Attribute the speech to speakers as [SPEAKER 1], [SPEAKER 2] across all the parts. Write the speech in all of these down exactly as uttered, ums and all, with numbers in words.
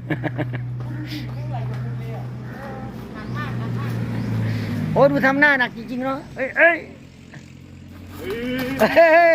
[SPEAKER 1] โอ้ดูทำหน้าหนักจริงๆเนาะเอ้ยเอ้ยเฮ้ย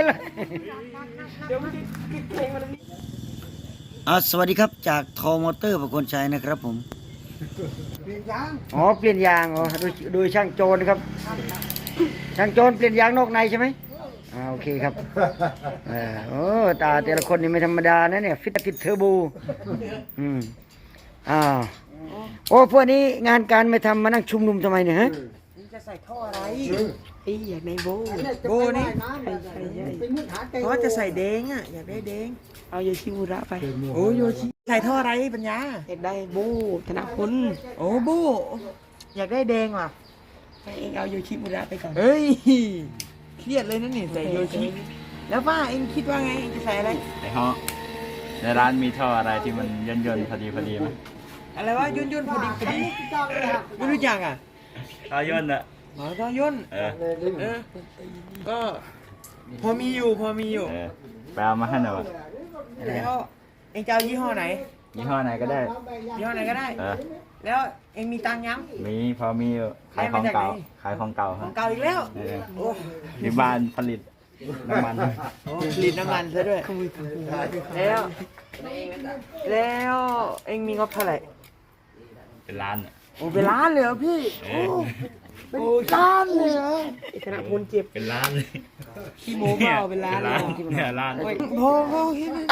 [SPEAKER 1] อ่าสวัสดีครับจากทอมอเตอร์ประโคนชัยนะครับผมเปลี่ยนยางอ๋อเปลี่ยนยางอ๋อโดยโดยช่างโจรครับช่างโจรเปลี่ยนยางนอกในใช่ไหมอ่าโอเคครับเออโอ้ตาแต่ละคนนี่ไม่ธรรมดานะเนี่ยฟิตติดเทอร์โบอืมอ่าโอ้พวกนี้งานการไม่ทำมานั่งชุมนุมทำไมเนี่ยฮะ
[SPEAKER 2] จะใส่ท่ออะไรไอ้อยากในโบโบนี่เพราะจะใส่เด้งอ่ะอยากได้เด้งเอาโยชิมุระไปโอ้โยชิใส่ท่ออะไรปัญญาอยากได้โบธนพลโอ้โบอยากได้เด้งว่ะเองเอาโยชิมุระไปก่อนเฮ้ยเครียดเลยนะนี่ใส่โยชิแล้วป้าเองคิดว่าไงเองจะใส่อะไร
[SPEAKER 3] ไอ้ฮะในร้านมีท่ออะไรที่มันย่นย่นพอดีพอดีไหม
[SPEAKER 2] อะไรวะย่นย่นพอดีพอดีไม่รู้จักอ่ะ
[SPEAKER 3] ท่อย่นอะ
[SPEAKER 2] หมอท่อย่นเออเออก็พอมีอยู่พอมีอยู่
[SPEAKER 3] ไปเอามาให้หน่อย
[SPEAKER 2] แล้วเองจะเอายี่ห้อไหน
[SPEAKER 3] ยี่ห้อไหนก็ได้
[SPEAKER 2] ยี่ห้อไหนก็ได้แล้วเองมีตังค์ยัง
[SPEAKER 3] มีพอมีอยู่ขายของเก่าขายของเก่า
[SPEAKER 2] ของเก่าอีกแล้ว
[SPEAKER 3] ที่บ้านผลิตน้ำมัน
[SPEAKER 2] ผลิตน้ำมันซะด้วยแล้วแล้วเองมีงบเท่าไหร่
[SPEAKER 3] เป็นล้าน
[SPEAKER 2] โอ้เป็นล้านเลยเหรอพี่โอ้เป็นล้านเลยเหรอขณะคนเจ็บ
[SPEAKER 3] เป็นล้านเลย
[SPEAKER 2] ขี้โม้เปล่าเป็นล้านเลย
[SPEAKER 3] เนี่ยล้าน
[SPEAKER 2] พอพอคิดเลย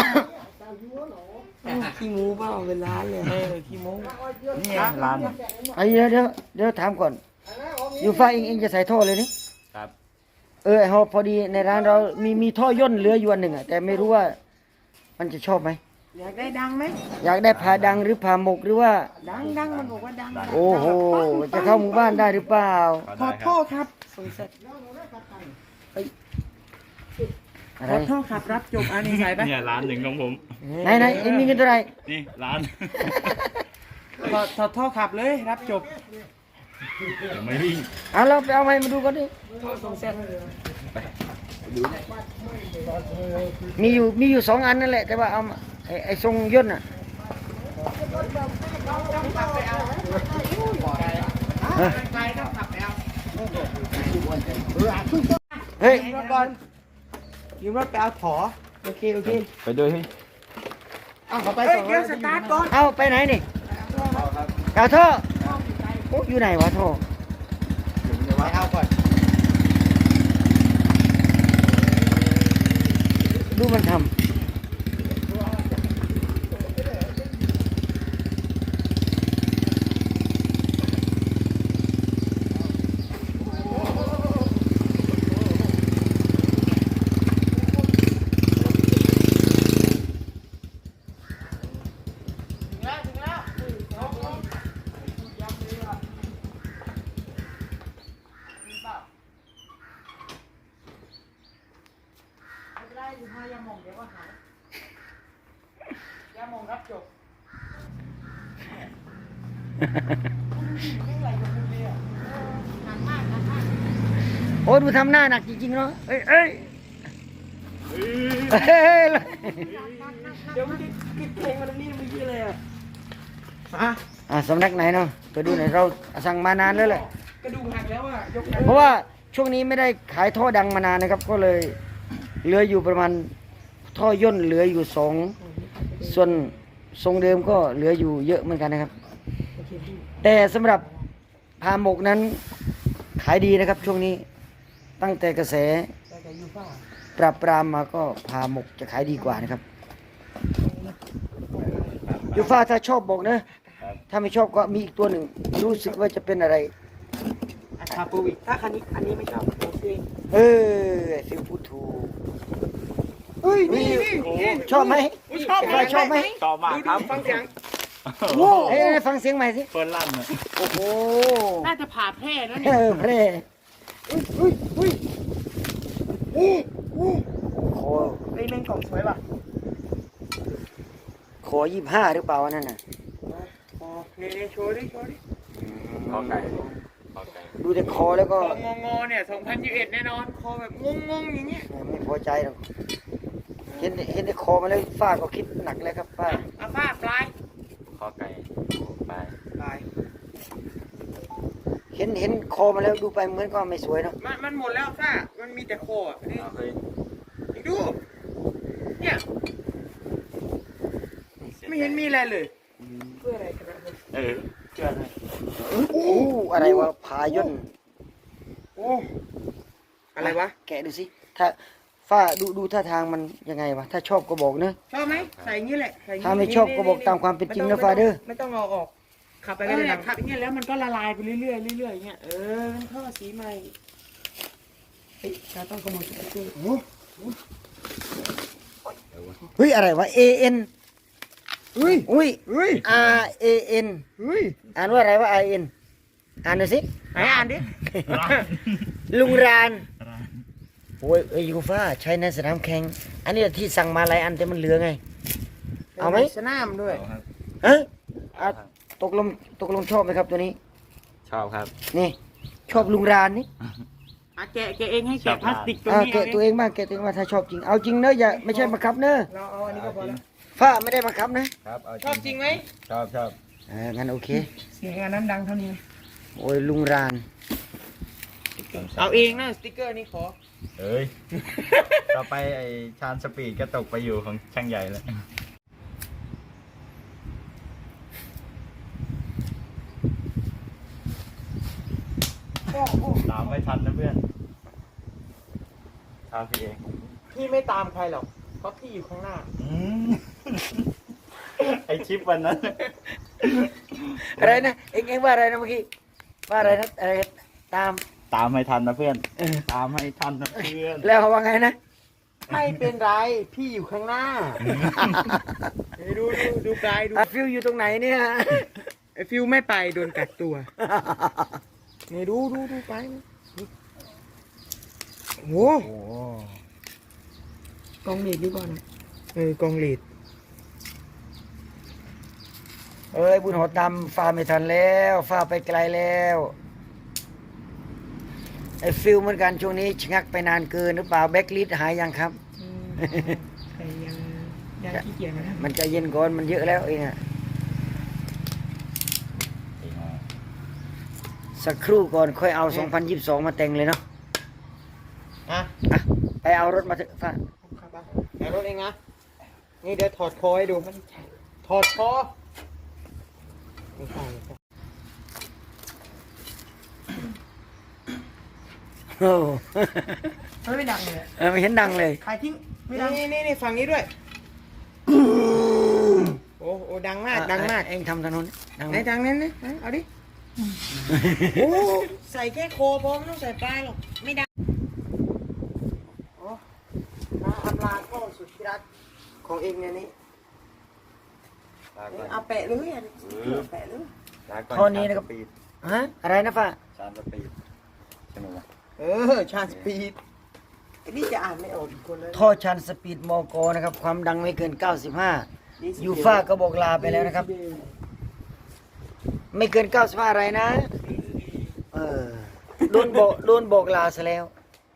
[SPEAKER 2] ขี้โม้เปล่าเป็นล้านเลยเออขี้โม้
[SPEAKER 3] เนี่ยล้าน
[SPEAKER 1] ไอ้เดี๋ยวเดี๋ยวเดี๋ยวถามก่อนอยู่ฟ้าเองเองจะใส่ท่อเลยนี่
[SPEAKER 3] ครับ
[SPEAKER 1] เออพอพอดีในร้านเรามีมีท่อย่นเหลืออยู่อันหนึ่งอ่ะแต่ไม่รู้ว่ามันจะชอบไหม
[SPEAKER 2] อยากได้ดังไหม
[SPEAKER 1] อยากได้ผ่าดังหรือผ่าหมกหรือว่า
[SPEAKER 2] ดังดังมันบอกว่าดัง
[SPEAKER 1] โอ้โหจะเข้าหมู่บ้านได้หรือเปล่า
[SPEAKER 2] ขอโทษครับสงสัยขอโทษครับรับจบอันนี้ใส่ไป
[SPEAKER 3] เนี่ยล้านหนึ่งของผม
[SPEAKER 1] ไหนไหนเอ็งมีเงินเท่าไหร่
[SPEAKER 3] นี่ล้าน
[SPEAKER 2] ขอขอโทษครับเลยรับจบ
[SPEAKER 3] ไม่วิ่ง
[SPEAKER 1] อ่ะเราไปเอาไม้มาดูก่อนดิมีอยู่มีอยู่สองอันนั่นแหละแต่ว่าเอาไอ้ไอ้ทรงย่นอ่ะเฮ้ย
[SPEAKER 2] รถก่อนยืมรถไปเอาถอโอเคโอเค
[SPEAKER 3] ไปด้วยพี่
[SPEAKER 2] เอาเขาไปก่อนเดี๋ยวสตาร์ทก่อน
[SPEAKER 1] เอาไปไหนนี่เอาท่ออยู่ไหนวะท่อ
[SPEAKER 2] เดี๋ยวไว้เอาก่อน
[SPEAKER 1] ดูมันทำ
[SPEAKER 2] ยามองเดี๋ยวก็หายยามองรับจบ
[SPEAKER 1] โอ้ดูทำหน้าหนักจริงๆเนาะเอ้ยเอ้ยเฮ้ย
[SPEAKER 2] เดี๋ยวมันคิดเพลงมันนี่มันยี่เลยอ่ะ
[SPEAKER 1] อ่ะสำนักไหนเนาะไปดูหน่อยเราสั่งมานานแล้วแหละ
[SPEAKER 2] กระดูกหักแล้วอ่ะ
[SPEAKER 1] เพราะว่าช่วงนี้ไม่ได้ขายท่อดังมานานนะครับก็เลยเหลืออยู่ประมาณท่อย่นเหลืออยู่สองส่วนทรงเดิมก็เหลืออยู่เยอะเหมือนกันนะครับแต่สำหรับพาหมกนั้นขายดีนะครับช่วงนี้ตั้งแต่กระแสปราบปรามมาก็พาหมกจะขายดีกว่านะครับยูฟ่าถ้าชอบบอกนะถ้าไม่ชอบก็มีอีกตัวหนึ่งรู้สึกว่าจะเป็นอะไร
[SPEAKER 2] คาปูวิถ้าคันนี้อันนี้ไม่ชอบโอเค
[SPEAKER 1] เออฟิวพูดถูก
[SPEAKER 2] เฮ้ยนี่นี่
[SPEAKER 1] ชอบไหม
[SPEAKER 2] ชอบไหม
[SPEAKER 1] ชอบไหม
[SPEAKER 3] ชอบมากครับ
[SPEAKER 2] ฟังเสียง
[SPEAKER 1] โอ้เอ้ฟังเสียงใหม่สิ
[SPEAKER 3] เปิดลั่นอ่ะ
[SPEAKER 1] โอ้โห
[SPEAKER 2] น่าจะผ่าแพร่แล้ว
[SPEAKER 1] เนี่ยแพร่อุ้ยอุ้ยอุ้ยโอ้โห
[SPEAKER 2] ไอ้เล่นกล่องสวยป่ะ
[SPEAKER 1] ขอยี่ห้าหรือเปล่านั่นน่ะ
[SPEAKER 2] โอเคโชว์ดิโชว์ดิ
[SPEAKER 3] ขอไก่
[SPEAKER 1] ดูแต่คอแล้วก็
[SPEAKER 2] งงงเนี่ยสองพันยี่สิบเอ็ดแน่นอนคอแบบงงงอย่างเงี้ย
[SPEAKER 1] ไม่พอใจหรอกเห็นเห็นในคอมาแล้วฝ้าก็คิดหนักเลยครับฝ้า
[SPEAKER 2] เอาฝ้าปลาย
[SPEAKER 3] ขอไก่ไป
[SPEAKER 2] ไป
[SPEAKER 1] เห็นเห็นคอมาแล้วดูไปเหมือนก็ไม่สวยเนาะ
[SPEAKER 2] มันมันหมดแล้วซ่ามันมีแต่โคอ่ะนี่
[SPEAKER 3] เอาเฮ้ย
[SPEAKER 2] อีกดูเนี่ยไม่เห็นมีอะไรเลยเพื่ออะไรกันนะ
[SPEAKER 3] เออเชื่อเลย
[SPEAKER 1] โอ้อะไรวะพาย่น
[SPEAKER 2] โอ้อะไรวะ
[SPEAKER 1] แกะดูสิถ้าฝ้าดูดูท่าทางมันยังไงวะถ้าชอบก็บอกเนอะ
[SPEAKER 2] ชอบไหมใส่อย่างนี้แหละใส่อย่างนี้
[SPEAKER 1] ถ้าไม่ชอบก็บอกตามความเป็นจริงนะฟาเดอร์
[SPEAKER 2] ไม่ต้องเอาออกขับไปก็ได้ขับอย่างเงี้ยแล้วมันก็ละลายไปเรื่อยๆเรื่อยๆอย่างเงี้ยเออมันท่อสีใหม่เฮ้ยเราต้องขโมยสติ๊กเกอร์
[SPEAKER 1] เฮ้ยอะไรวะ A N
[SPEAKER 2] เฮ้ย
[SPEAKER 1] อุ้ย
[SPEAKER 2] เฮ้ย
[SPEAKER 1] R A N
[SPEAKER 2] เฮ้ย
[SPEAKER 1] อ่านว่าอะไรวะ I N อ่านหน่อยสิ
[SPEAKER 2] ไหนอ่านดิ
[SPEAKER 1] ลุงรานโอ้ยเอ้ยยูฟ่าใช้ในสนามแข่งอันนี้ที่สั่งมาหลายอันแต่มันเหลือไง เอาไหม
[SPEAKER 2] สนามด้วย
[SPEAKER 3] เอาครับ
[SPEAKER 1] ฮะอ่ะตกลงตกลงชอบไหมครับตัวนี้
[SPEAKER 3] ชอบครับ
[SPEAKER 1] นี่ ชอบลุงรานนี่
[SPEAKER 2] อ่ะแกะแกะเองให้แกะพลาสติกตรง
[SPEAKER 1] อ่า
[SPEAKER 2] นี้
[SPEAKER 1] แกะตัวเองบ้างแกะตัวเองบ้างถ้าชอบจริงเอาจริงเนอะอย่าไม่ใช่บังคับเนอะ
[SPEAKER 2] เราเอาอันนี้ก็พอแล้ว
[SPEAKER 1] ฝ้าไม่ได้บังคับนะครับ
[SPEAKER 3] เอา
[SPEAKER 2] ชอบจริงไหม
[SPEAKER 3] ชอบชอบ
[SPEAKER 1] อ่างั้นโอเค
[SPEAKER 2] เสียงอันนั้นดังเท่านี้
[SPEAKER 1] โอ้ยลุงราน
[SPEAKER 2] เอาเองนะสติ๊กเกอร์นี่ขอ
[SPEAKER 3] เอ้ย ต่อไปไอ้ชานสปีดก็ตกไปอยู่ของช่างใหญ่แล้วตามไม่ทันนะเพื่อนตามพี่เอง
[SPEAKER 2] พี่ไม่ตามใครหรอกเพราะพี่อยู่ข้างหน้า
[SPEAKER 3] อืม ไอชิปวันนั้น
[SPEAKER 1] อะไรนะเอ็งเอ็งว่าอะไรนะเมื่อกี้ว่าอะไรนะอะไรตาม
[SPEAKER 3] ตามให้ทันนะเพื่อน ตามให้ทันนะเพื่อน
[SPEAKER 1] แล้วเขาว่าไงนะ
[SPEAKER 2] ไม่เป็นไรพี่อยู่ข้างหน้าเฮ้ยดูดูดูปลายดู
[SPEAKER 1] อ่ะฟิวอยู่ตรงไหนเนี่ย
[SPEAKER 2] ไอฟิวไม่ไปโดนกักตัวนี่ดูดูดูไปโอ้
[SPEAKER 3] โอ้
[SPEAKER 2] กองเลดดีกว่านะเออกองเลด
[SPEAKER 1] เอ้ยบุญหอดดำฟ้าไม่ทันแล้วฟ้าไปไกลแล้วไอ้ฟิลเหมือนกันช่วงนี้ชะงักไปนานเกินหรือเปล่าแบ็กลิสหายยังครับ
[SPEAKER 2] ใครยังยังขี้เกียจนะ
[SPEAKER 1] มันใจะเย็นก่อนมันเยอะแล้วเองอะสักครู่ก่อนค่อยเอาสองพันยี่สิบสองมาแต่งเลยเนาะ
[SPEAKER 2] อ่ะ
[SPEAKER 1] อ่ะไปเอารถมาเถอะฟ้า
[SPEAKER 2] ครับอ่ะเอารถเองนะนี่เดี๋ยวถอดคอให้ดูถอดคอไม่ใช่ไม่ใช่
[SPEAKER 1] โอ้
[SPEAKER 2] มันไม่ดังเลย
[SPEAKER 1] เออไม่เห็นดังเลย
[SPEAKER 2] ใครทิ้งไม่ดังนี่นี่นี่ฝั่งนี้ด้วย โอ้โอ้ดังมากดังมาก
[SPEAKER 1] เองทำถนนดัง
[SPEAKER 2] ไหนดังนั้นนะไหนเอาดิโอ้ใส่แค่โคพอไม่ต้องใส่ปลายหรอกไม่ดังโอ้มาอำลาพ่อสุดที่รักของเองเนี่ยนี่เอาแปะเลยอ่ะแปะเลย
[SPEAKER 1] ท่อนี้นะครับฮะอะไรนะฟ้า
[SPEAKER 3] ชานสปีดใช่ไหมวะ
[SPEAKER 2] เออชาสปีดไอ้นี่จะอ่านไม่ออกอีกคนเลย
[SPEAKER 1] ท่อชันสปีดมอกนะครับ ความดังไม่เกิน เก้าสิบห้า ยูฟ่าก็บอกลาไปแล้วนะครับ ไม่เกิน เก้าสิบห้า อะไรนะ เออโดนบอกโดนบอกลาซะแล้ว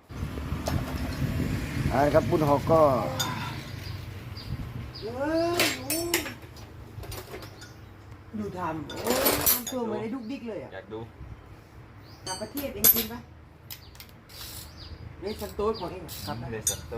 [SPEAKER 1] เอาละครับบุญหอกก็
[SPEAKER 2] ดูทำโอ้ทำตัวเหมือนไอ้ดุกดิกเลยอ่ะ
[SPEAKER 3] อยากดู
[SPEAKER 2] ต่างประเทศเองจริงปะนี่สันโต๊ดของเองครับ
[SPEAKER 3] เดซันโต้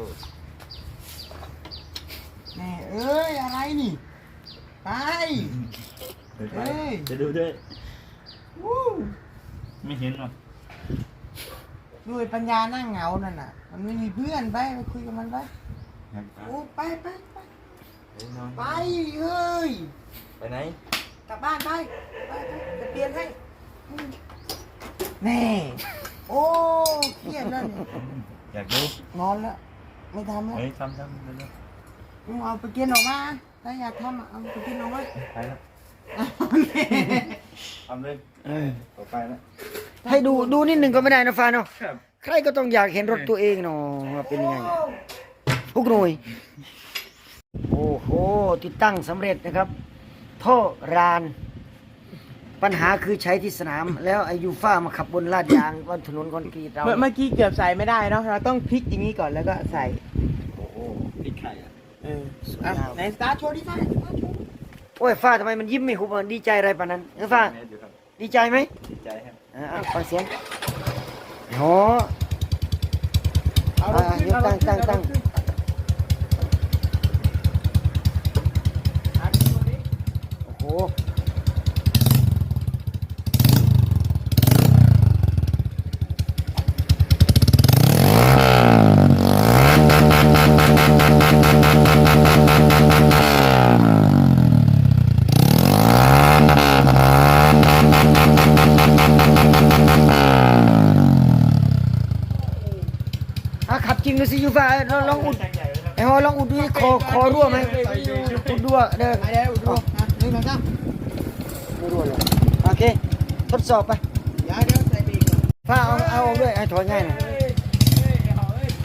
[SPEAKER 2] แม่เอ้ยอะไรนี่ไป
[SPEAKER 3] เฮ้ยจะดูด้วย
[SPEAKER 2] วู้
[SPEAKER 3] ไม่เห็นหรอ
[SPEAKER 2] ด้วยปัญญานั่งเหงานั่นน่ะ มันไม่มีเพื่อนไปไปคุยกับมันไปโอ้ไปไปไปไปเฮ้ย
[SPEAKER 3] ไปไหน
[SPEAKER 2] กลับบ้านไปไปไปจะเปลี่ยนให้แน่โอ้เครียดแล้วเนี่ย
[SPEAKER 3] อยากดู
[SPEAKER 2] นอนแล้วไม่ทำแล้ว
[SPEAKER 3] เฮ้ยทำทำเร็ว
[SPEAKER 2] มึงเอาไปกินออกมาถ้าอยากทำอ่ะเอาไปกินออกมา
[SPEAKER 3] ๆไปแล้ว
[SPEAKER 2] โอเค
[SPEAKER 3] ทำเลย
[SPEAKER 1] เออ
[SPEAKER 3] ต่อไปแล้ว
[SPEAKER 1] ให้ดูดูนิดหนึ่งก็ไม่ได้นะฟ้าเนาะ
[SPEAKER 3] ครับ
[SPEAKER 1] ใครก็ต้องอยากเห็นรถตัวเองเนาะว่าเป็นยังไงทุกหน่วย โอ้โห ติดตั้งสำเร็จนะครับ ท่อราน ปัญหาคือใช้ที่สนาม แล้วไอายูฟ่ามาขับบนลาดยางบนถนนคอนกรีตเรา
[SPEAKER 2] เมื่อเมื่อกี้เกือบใส่ไม่ได้เนาะเราต้องพลิกอย่างนี้ก่อนแล้วก็ใส่
[SPEAKER 3] โอ้โหพริกไข่อะ
[SPEAKER 2] เอออ่ะไหนสตาร์ทโชว์ดิฟ้าสตาร์ทโชว์
[SPEAKER 1] โอ้ยฟ้าทำไมมันยิ้มไม่หุบอ่ะดีใจอะไรปานนั้นเออฟ้า
[SPEAKER 3] เมตรอยู่ครับ
[SPEAKER 1] ดีใจไหม
[SPEAKER 3] ดีใจครับ
[SPEAKER 1] อ่าอ่ะฟังเสียงโอ้อ่ายกตั้งตั้งตั้งโอ้โหอ่ะขับจริงดูสิยูฟ่าลองลองอุดไอ้ฮอลองอุดดูดิคอคอรั่วไหมอุดรั่วเด้อ
[SPEAKER 2] ไปแล้วอุดรอ่ะหนึ่งสองสาม
[SPEAKER 1] ไม่รั่วเลยโอเคทดสอบไป
[SPEAKER 2] เดี๋ยวเดี๋ยวใส่ปีกก่อน
[SPEAKER 1] ฟ้าเอาเอาออกด้วยให้ถอยง่ายหน่อย
[SPEAKER 2] เฮ้ยเฮ้ยเอาเฮ้ย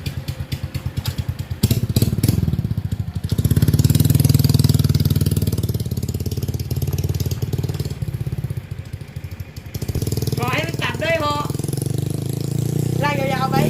[SPEAKER 2] ขอให้มันตัดด้วยพอลากยาวๆไป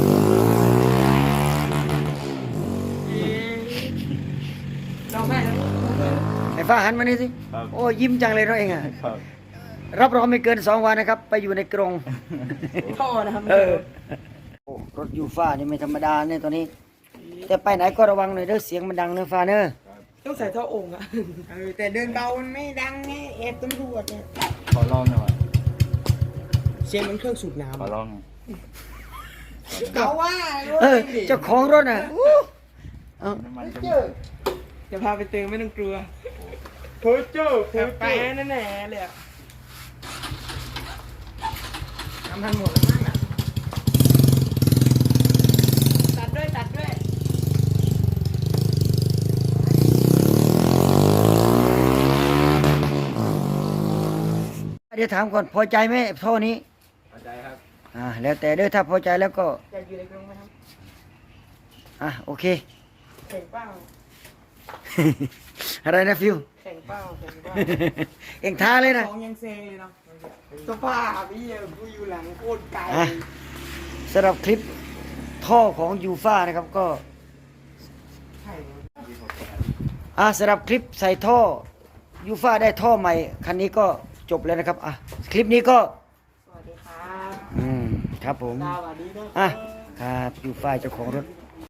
[SPEAKER 2] เราแม่นะ
[SPEAKER 1] ไอ้ฟ้าหันมานี่สิ
[SPEAKER 3] ครับ
[SPEAKER 1] โอ้ยิ้มจังเลยเราเองอ่ะ
[SPEAKER 3] ครับ
[SPEAKER 1] รับรองไม่เกินสองวันนะครับ ไปอยู่ในกรง
[SPEAKER 2] ท่อนะครับ
[SPEAKER 1] เออโอ้รถยูฟ่านี่ไม่ธรรมดาเนี่ยตอนนี้ แต่ไปไหนก็ระวังหน่อยเด้อเสียงมันดังเนอะฟ้าเนอะ
[SPEAKER 2] ต้องใส่ท่อองค์อะเออแต่เดินเบามันไม่ดังไงแอบตำรวจเนี่ย
[SPEAKER 3] ขอลองหน่อย
[SPEAKER 2] เสียงเหมันเครื่องสูบน้
[SPEAKER 3] ขอลองหน่อย
[SPEAKER 2] ำเขาว่า
[SPEAKER 1] เออเจ้าของรถน่ะอู้เอา
[SPEAKER 3] น้ำมันจะ
[SPEAKER 2] จะพาไปเติมไม่ต้องกลัวเพ้อเจ้าเพ้อไปนั่นแหละเลยอะทำทันหมดแล้วมั้งอ่ะตัดด้วยตัดด้วย
[SPEAKER 1] เดี๋ยวถามก่อนพอใจไหมท่อนี้
[SPEAKER 3] พอใจครับ
[SPEAKER 1] อ่าแล้วแต่เด้อถ้าพอใจแล้วก็
[SPEAKER 2] จะอยู่ในกรงไหมครับ
[SPEAKER 1] อ่ะโอเค
[SPEAKER 2] แข่งเป้า
[SPEAKER 1] อะไรนะฟิว
[SPEAKER 2] แข่งเป้าแข่งเป้า
[SPEAKER 1] เอ็งท้าเลยนะ
[SPEAKER 2] สองยังเซงเลยเนาะสภาพพี่กูอยู่หลังโคตรไกล
[SPEAKER 1] อ่ะสำหรับคลิปท่อของยูฟ่านะครับก็
[SPEAKER 2] ใช่
[SPEAKER 1] อ่ะสำหรับคลิปใส่ท่อยูฟ่าได้ท่อใหม่คันนี้ก็จบแล้วนะครับอ่ะคลิปนี้ก็
[SPEAKER 2] สวัสดีครับ
[SPEAKER 1] อืมครับผม
[SPEAKER 2] สวัสดีนะ
[SPEAKER 1] อ่ะครับยูฟ่าเจ้าของรถ